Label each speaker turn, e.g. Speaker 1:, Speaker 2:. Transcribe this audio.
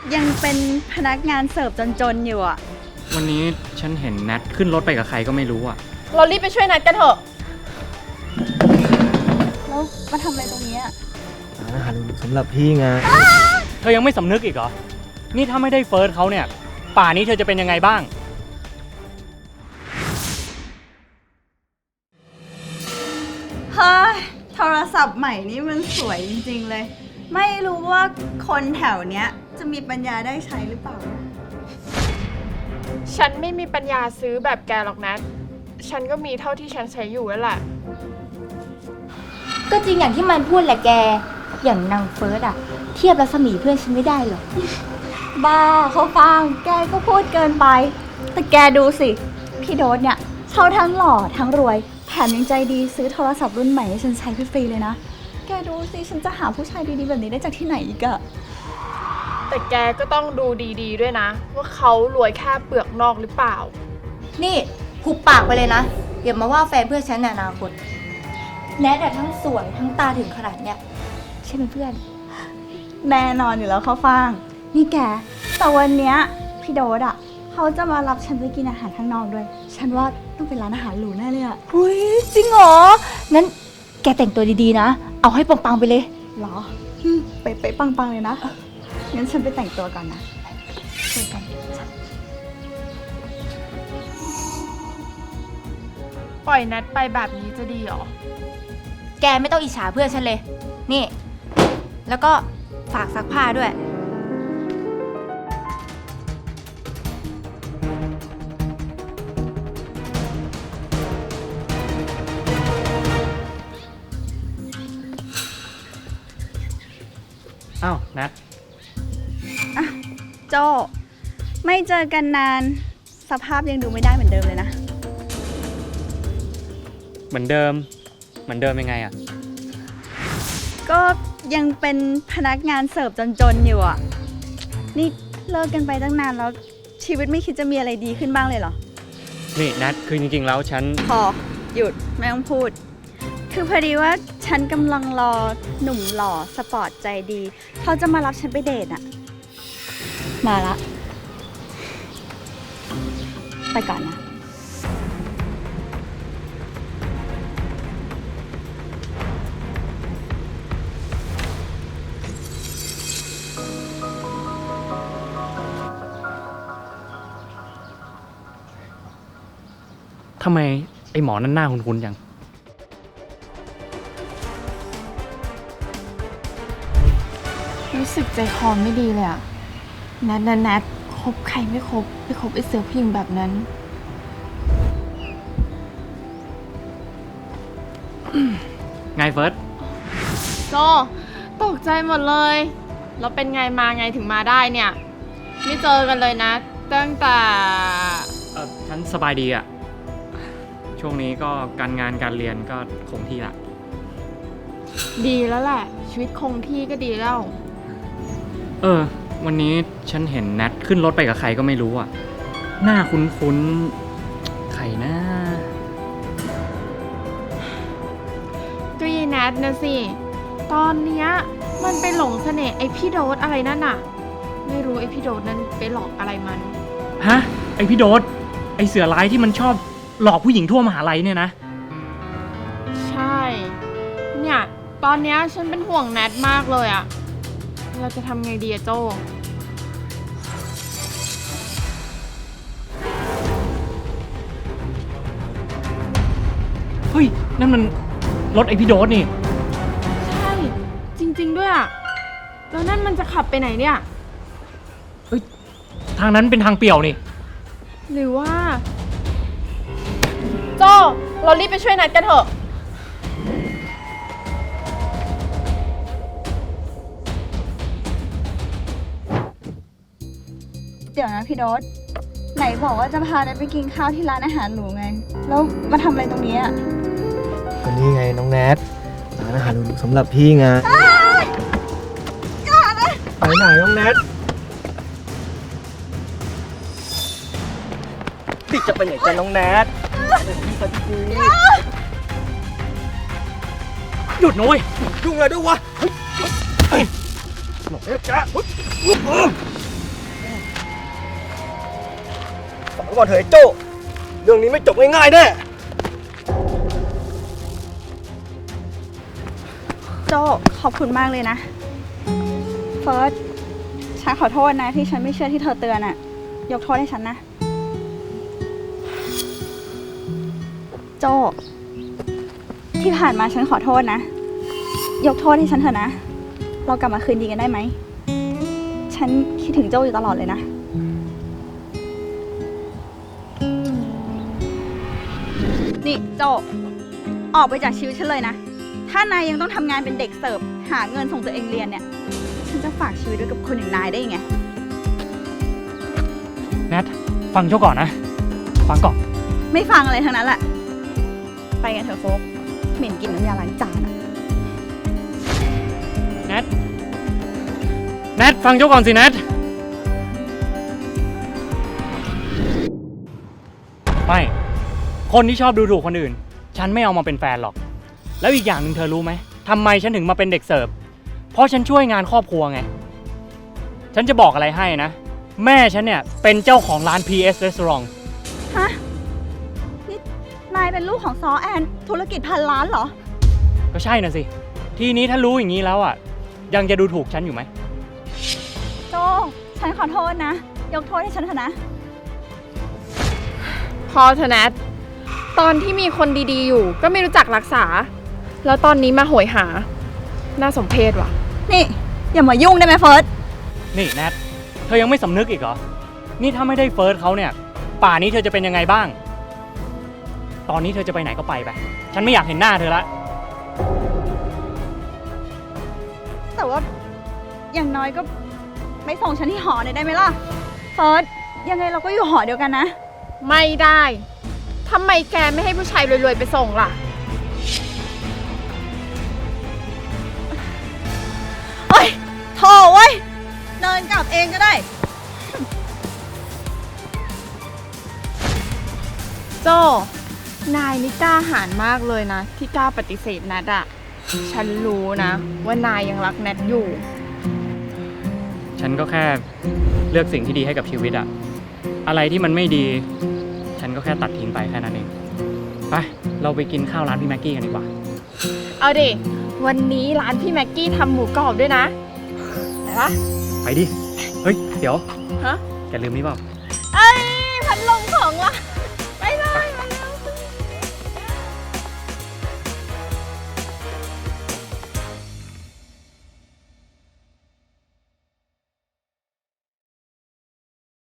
Speaker 1: ยังเป็นพนักงานเสิร์ฟจนๆอยู่อ่ะ
Speaker 2: วันนี้ฉันเห็นแนทขึ้นรถไปกับใครก็ไม่รู้อ่ะ
Speaker 3: เรารีบไปช่วยนัดกันเถอะ
Speaker 1: แล้วมาทำอะไรตรงนี้อ่ะ
Speaker 4: ร้านอาหารสำหรับพี่ไง
Speaker 2: เธอยังไม่สำนึกอีกเหรอนี่ถ้าไม่ได้เฟิร์สเขาเนี่ยป่านี้เธอจะเป็นยังไงบ้าง
Speaker 1: เฮ้ยโทรศัพท์ใหม่นี่มันสวยจริงๆเลยไม่รู้ว่าคนแถวเนี้ยจะมีปัญญาได้ใช้หรือเปล่า
Speaker 3: ฉันไม่มีปัญญาซื้อแบบแกหรอกนะฉันก็มีเท่าที่ฉันใช้อยู่แล้วแหละ
Speaker 5: ก็จริงอย่างที่มันพูดแหละแกอย่างนางเฟิร์สอะเทียบรัศมีเพื่อนฉันไม่ได้หรอก
Speaker 1: บ้าเขาฟังแกก็พูดเกินไปแต่แกดูสิพี่โดสเนี่ยเขาทั้งหล่อทั้งรวยแถมยังใจดีซื้อโทรศัพท์รุ่นใหม่ให้ฉันใช้ฟรีๆเลยนะแกดูสิฉันจะหาผู้ชายดีๆแบบนี้ได้จากที่ไหนอีกอะ
Speaker 3: แต่แกก็ต้องดูดีๆด้วยนะว่าเขารวยแค่เปลือกนอกหรือเปล่า
Speaker 5: นี่หุบปากไปเลยนะอย่ามาว่าแฟนเพื่อนฉันในอนาคตแนททั้งสวยทั้งตาถึงขนาดเนี้ยใช่ไหมเพื่อน
Speaker 1: แน่นอนอยู่แล้วเขาฟังนี่แกแต่วันเนี้ยพี่โดสอะเขาจะมารับฉันไปกินอาหารข้างนอกด้วยฉันว่าต้องเป็นร้านอาหารหรูแน่เลยอะ
Speaker 5: เฮ้ยจริงเหรองั้นแกแต่งตัวดีๆนะเอาให้ปังๆไปเลย
Speaker 1: หรอไปปังๆเลยนะงั้นฉันไปแต่งตัวก่อนนะเจอกัน
Speaker 3: ปล่อยนัดไปแบบนี้จะดีหรอ
Speaker 5: แกไม่ต้องอิจฉาเพื่อนฉันเลยนี่แล้วก็ฝากซักผ้าด้วย
Speaker 2: อ้าวนัท
Speaker 1: โจไม่เจอกันนานสภาพยังดูไม่ได้เหมือนเดิมเลยนะ
Speaker 2: เหมือนเดิมยังไงอ่ะ
Speaker 1: ก็ยังเป็นพนักงานเสิร์ฟจนๆอยู่อ่ะนี่เลิกกันไปตั้งนานแล้วชีวิตไม่คิดจะมีอะไรดีขึ้นบ้างเลยเหรอ
Speaker 2: นี่นัทคือจริงๆแล้วฉัน
Speaker 1: พอหยุดไม่ต้องพูดคือพอดีว่าฉันกำลังรอหนุ่มหล่อสปอร์ตใจดีเขาจะมารับฉันไปเดทอ่ะมาละไปก่อนนะ
Speaker 2: ทำไมไอ้หมอนั่นหน้าคุ้นๆจัง
Speaker 3: รู้สึกใจคอไม่ดีเลยอะนัดคบใครไม่คบไปคบไอ้เสือผู้หญิงแบบนั้น
Speaker 2: ไงเฟิร์ส
Speaker 3: โจตกใจหมดเลยแล้วเป็นไงมาไงถึงมาได้เนี่ยไม่เจอกันเลยนะตั้งแต่
Speaker 2: ฉันสบายดีอ่ะช่วงนี้ก็การงานการเรียนก็คงที่ละ
Speaker 3: ดีแล้วแหละชีวิตคงที่ก็ดีแล้ว
Speaker 2: วันนี้ฉันเห็นแนทขึ้นรถไปกับใครก็ไม่รู้อ่ะหน้าคุ้นๆใครนะ
Speaker 3: ก็ยีแนทนะสิตอนเนี้ยมันไปหลงเสน่ห์ไอพี่โดสอะไรนั่นน่ะไม่รู้ไอพี่โดสนั้นไปหลอกอะไรมัน
Speaker 2: ฮะไอพี่โดสไอเสือร้ายที่มันชอบหลอกผู้หญิงทั่วมหาลัยเนี่ยนะ
Speaker 3: ใช่เนี่ยตอนเนี้ยฉันเป็นห่วงแนทมากเลยอะเราจะทำไงดีอะโจ
Speaker 2: เฮ้ยนั่นมันรถไอพี่โดสนี่
Speaker 3: ใช่จริงๆด้วยอะแล้วนั่นมันจะขับไปไหนเนี่ย
Speaker 2: เฮ้ยทางนั้นเป็นทางเปี่ยวนี่
Speaker 3: หรือว่าโจเรารีบไปช่วยนัดกันเถอะ
Speaker 1: เดี๋ยวนะพี่โดสไหนบอกว่าจะพานัทไปกินข้าวที่ร้านอาหารหรูไงแล้วมาทำอะไรตรงนี้อ่ะ
Speaker 4: ก็นี่ไงน้องแนทร้านอาหารสำหรับพี่ไงไปไหนน้องแนทพี่จะไปไหนกันน้องแนท
Speaker 2: หยุดนะเว้ย
Speaker 4: ยุ่งอะไรด้วยวะเอาก่อนเถอะไอ้โจ้เรื่องนี้ไม่จบง่ายๆแน่
Speaker 1: โจขอบคุณมากเลยนะ เฟิร์ส ฉันขอโทษนะที่ฉันไม่เชื่อที่เธอเตือนอะยกโทษให้ฉันนะ โจที่ผ่านมาฉันขอโทษนะ ยกโทษให้ฉันเถอะนะ เรากลับมาคืนดีกันได้ไหม ฉันคิดถึงโจอยู่ตลอดเลยนะ นี่โจออกไปจากชีวิตฉันเลยนะ ถ้านายยังต้องทำงานเป็นเด็กเสิร์ฟหาเงินส่งตัวเองเรียนเนี่ย ฉันจะฝากชีวิตไว้กับคนอย่างนายได้ยังไง
Speaker 2: แนทฟังโจ้ก่อนนะ ฟังก่อน
Speaker 1: ไม่ฟังอะไรทั้งนั้นแหละ ไปกันเถอะโฟกเหม็นกลินน้ำยาล้างจานอะ
Speaker 2: แนท แนทฟังโจ้ก่อนสิแนท ไม่ คนที่ชอบดูถูกคนอื่น ฉันไม่เอามาเป็นแฟนหรอก แล้วอีกอย่างหนึ่งเธอรู้ไหมทำไมฉันถึงมาเป็นเด็กเสิร์ฟ เพราะฉันช่วยงานครอบครัวไง ฉันจะบอกอะไรให้นะ แม่ฉันเนี่ยเป็นเจ้าของร้าน PS Restaurant
Speaker 1: ฮะ นี่นายเป็นลูกของซอแอน ธุรกิจพันล้านเหรอ
Speaker 2: ก็ใช่น่ะสิ ทีนี้ถ้ารู้อย่างนี้แล้วอ่ะ ยังจะดูถูกฉันอยู่ไหม
Speaker 1: โจ ฉันขอโทษนะ ยกโทษให้ฉันเถอะนะ
Speaker 3: พอเถอะแนทตอนที่มีคนดีๆอยู่ก็ไม่รู้จักรักษา แล้วตอนนี้มาโหยหา น่าสมเพชว่ะ
Speaker 1: นี่ อย่ามายุ่งได้ไหมเฟิร์ส
Speaker 2: นี่แนท เธอยังไม่สำนึกอีกเหรอ นี่ถ้าไม่ได้เฟิร์สเขาเนี่ย ป่านี้เธอจะเป็นยังไงบ้าง ตอนนี้เธอจะไปไหนก็ไปไป ฉันไม่อยากเห็นหน้าเธอละ
Speaker 1: แต่ว่าอย่างน้อยก็ไม่ส่งฉันที่หอหน่อยได้ไหมล่ะ เฟิร์ส ยังไงเราก็อยู่หอเดียวกันนะ
Speaker 3: ไม่ได้ทำไมแกไม่ให้ผู้ชายรวยๆไปส่งล่ะ
Speaker 1: เฮ้ยโถเว้ย เดินกลับเองก็ได้
Speaker 3: โจ นายนี่กล้าหาญมากเลยนะ ที่กล้าปฏิเสธแนทอะฉันรู้นะ ว่านายยังรักแนทอยู่
Speaker 2: ฉันก็แค่เลือกสิ่งที่ดีให้กับชีวิตอะอะไรที่มันไม่ดี ฉันก็แค่ตัดทิ้งไปแค่นั้นเอง ไป เราไปกินข้าวร้านพี่แม็กกี้กันดีกว่า
Speaker 3: เอาดิ วันนี้ร้านพี่แม็กกี้ทำหมูกรอบด้วยนะไหนวะ
Speaker 2: ไปดิ เฮ้ย เดี๋ยว
Speaker 3: ฮะ
Speaker 2: แกลืมนี่เปล่า
Speaker 1: เอ้ย พัดลมของว่ะ